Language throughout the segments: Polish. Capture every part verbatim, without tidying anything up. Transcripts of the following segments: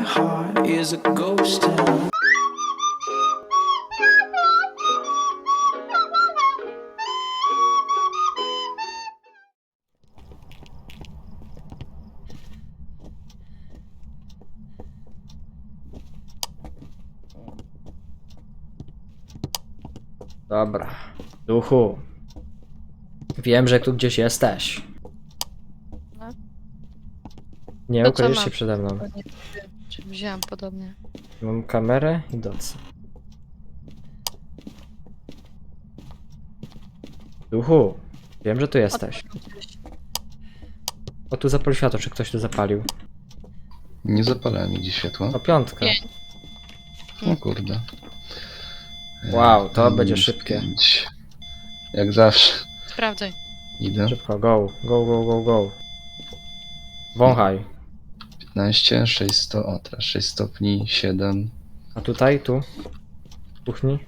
heart is a ghost town. Dobra. Duchu. Wiem, że tu gdzieś jesteś. No. Nie To co ukryjesz mam? się przede mną. Nie wiem, czy wziąłem podobnie. Mam kamerę i docy. Duchu. Wiem, że tu jesteś. O, tu zapalił światło, czy ktoś tu zapalił? Nie zapalałem nigdzie światła. O, piątka. Pięć. O kurde. Wow, to E, będzie minus szybkie. pięć. Jak zawsze. Sprawdzaj. Idę. Szybko, go, go, go, go, go. Wąchaj. piętnaście, sześć sto, o teraz sześć stopni, siedem, A tutaj, tu? W kuchni?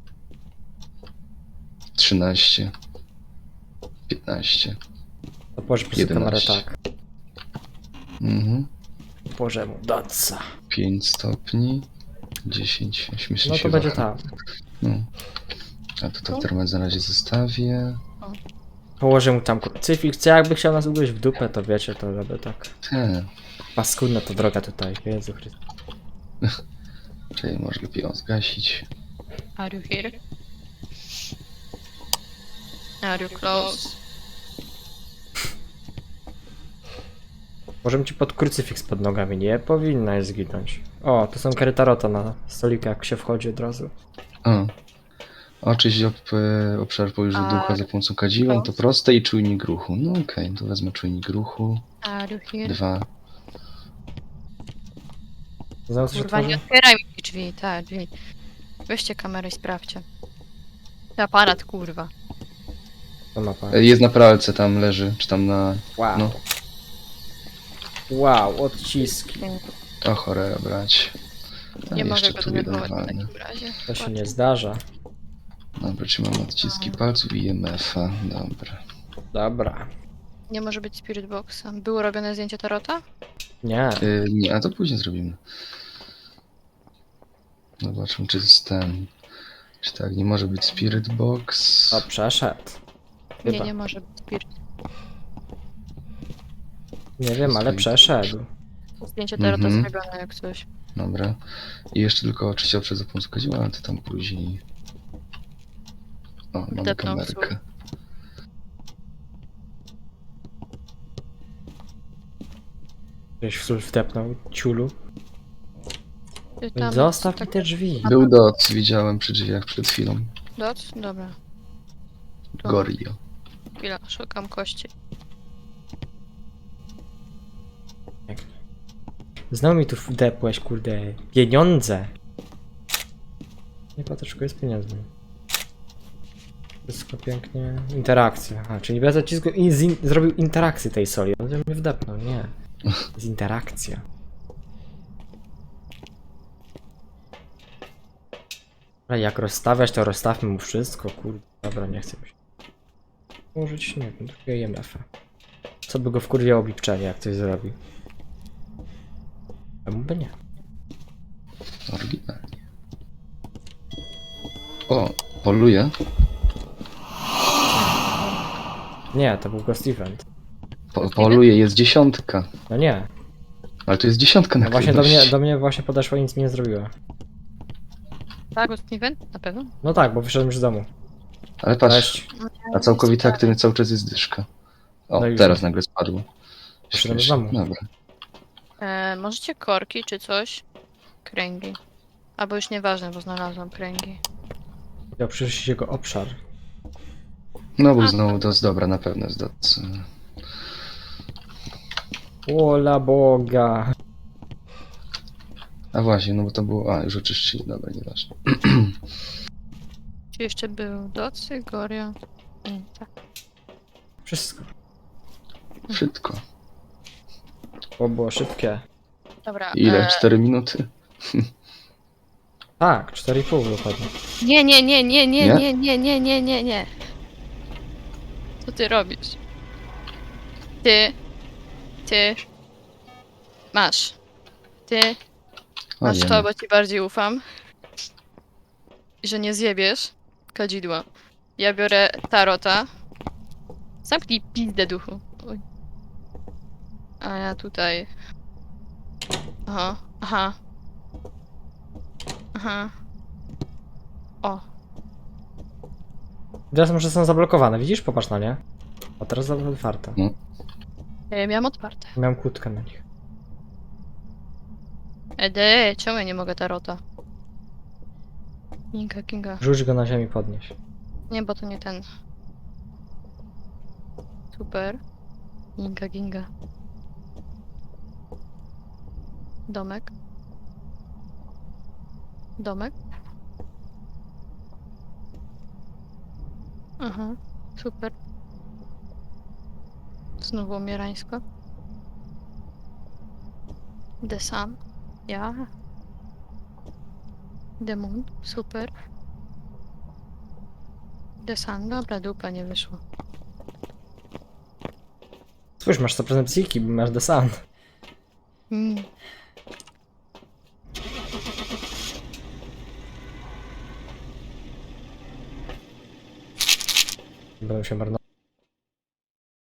trzynaście, piętnaście. To położę po prostu kamerę jedenaście. tak. Mhm. Położę mu doca. pięć stopni, dziesięć, śmiesznie No się to będzie waha. tak. No. A to to termometr na razie zostawię. Położę mu tam krucyfiks. Jakby chciał nas ugryźć w dupę, to wiecie, to robię tak. Te. Paskudna to droga tutaj. Jezu Chryste. Czyli może lepiej ją zgasić. Are you here? Are you close? Możemy ci pod krucyfiks pod nogami. Nie powinnaś zginąć. O, to są karytarota na stoliku, jak się wchodzi od razu. A. Oczyść ob, e, obszar pobliżu A, ducha za pomocą kadziła, to proste i czujnik ruchu. No okej, to wezmę czujnik ruchu. Are you here? Dwa. Znowu coś Kurwa, nie otworzy? otwieraj mi drzwi, tak, drzwi. Weźcie kamerę i sprawdźcie. Aparat, kurwa. To mapa. E, Jest na pralce, tam leży, czy tam na... Wow. No. Wow, odciski. O cholera brać. A, Nie mogę jeszcze go tu jeden denerwować w walny. takim razie. To się nie zdarza. Dobra, czy mam odciski palców i M F-a. Dobra. Dobra. Nie może być Spirit Boxa. Było robione zdjęcie tarota? Nie. Y, nie, a to później zrobimy. Zobaczmy, czy jest ten... Czy tak, nie może być Spirit Box. O, przeszedł. Chyba. Nie, nie może być Spirit. Nie wiem, ale przeszedł. Zdjęcie tarota Mhm. zrobione jak coś. Dobra. I jeszcze tylko oczywiście obszar za pomocą kadziła, ale to tam później... O, mamy Wdepnął kamerkę. Gdzieś w sul wdepnął. Ciulu. Ty tam- Zostaw tak- mi te drzwi. Był doc, widziałem przy drzwiach przed chwilą. Doc? Dobra. To- Gorio. Chwila, szukam kości. Znowu mi tu wdepłeś, kurde. Pieniądze. Nie patyczku jest pieniędzmi. Wszystko pięknie. Interakcja. A, czyli bez nacisku i z in zrobił interakcję tej soli. On mnie wdepnął, nie. Z interakcja. Dobra, jak rozstawiać, to rozstawmy mu wszystko, kurde. Dobra, nie chcę się. Użyć, nie wiem, drugiego I M F-a. Co by go wkurwiało bipczenie, jak coś zrobi? Czemu by nie? Oryginalnie. O, poluje. Nie, to był Ghost Event. Po, poluje, jest dziesiątka. No nie. Ale to jest dziesiątka na No właśnie do mnie, aktywności. do mnie właśnie podeszła i nic mi nie zrobiła. Tak, Ghost Event? Na pewno? No tak, bo wyszedłem już z domu. Ale patrz, Cześć. a całkowita aktywność cały czas jest dyszka. O, No i teraz już. nagle spadło. Wyszedłem z Śmiesznie. domu. Dobra. E, możecie korki czy coś? Kręgi. Albo już nieważne, bo znalazłam kręgi. Chciał przyjrzeć jego obszar. No bo znowu doc, dobra, na pewno jest doc. Ola Boga. A właśnie, no bo to było... A, już oczyszczyli, dobra, nieważne. Czy jeszcze był Docy, Goria? Mm, tak. Wszystko. Wszystko. Bo było szybkie. Dobra. Ile? E, cztery minuty? Tak, cztery i pół dokładnie. nie, nie, nie, nie, nie, Nie? nie, nie, nie, nie, nie, nie. Co ty robisz? Ty. Ty. Masz. Ty. Masz Fajnie. to, bo ci bardziej ufam. I że nie zjebiesz kadzidła. Ja biorę tarota. Zamknij pizdę, duchu. Oj. A ja tutaj... Aha, aha. Aha. O, Teraz może są zablokowane, widzisz? Popatrz na nie. A teraz są otwarte. No. ja miałam otwarte. Miałem kłódkę na nich. Ede, czemu ja nie mogę tarota? Kinga, Kinga. Rzuć go na ziemię, podnieś. Nie, bo to nie ten. Super. Ginga, ginga. Domek. Domek. Aha, super. Znowu umierańsko. The Sun. Ja. The Moon. Super. The Sun. Dobra, dupa, nie wyszło. Spójrz, masz co prezencyjki, bo masz The Sun. Mm. Będą się marnować.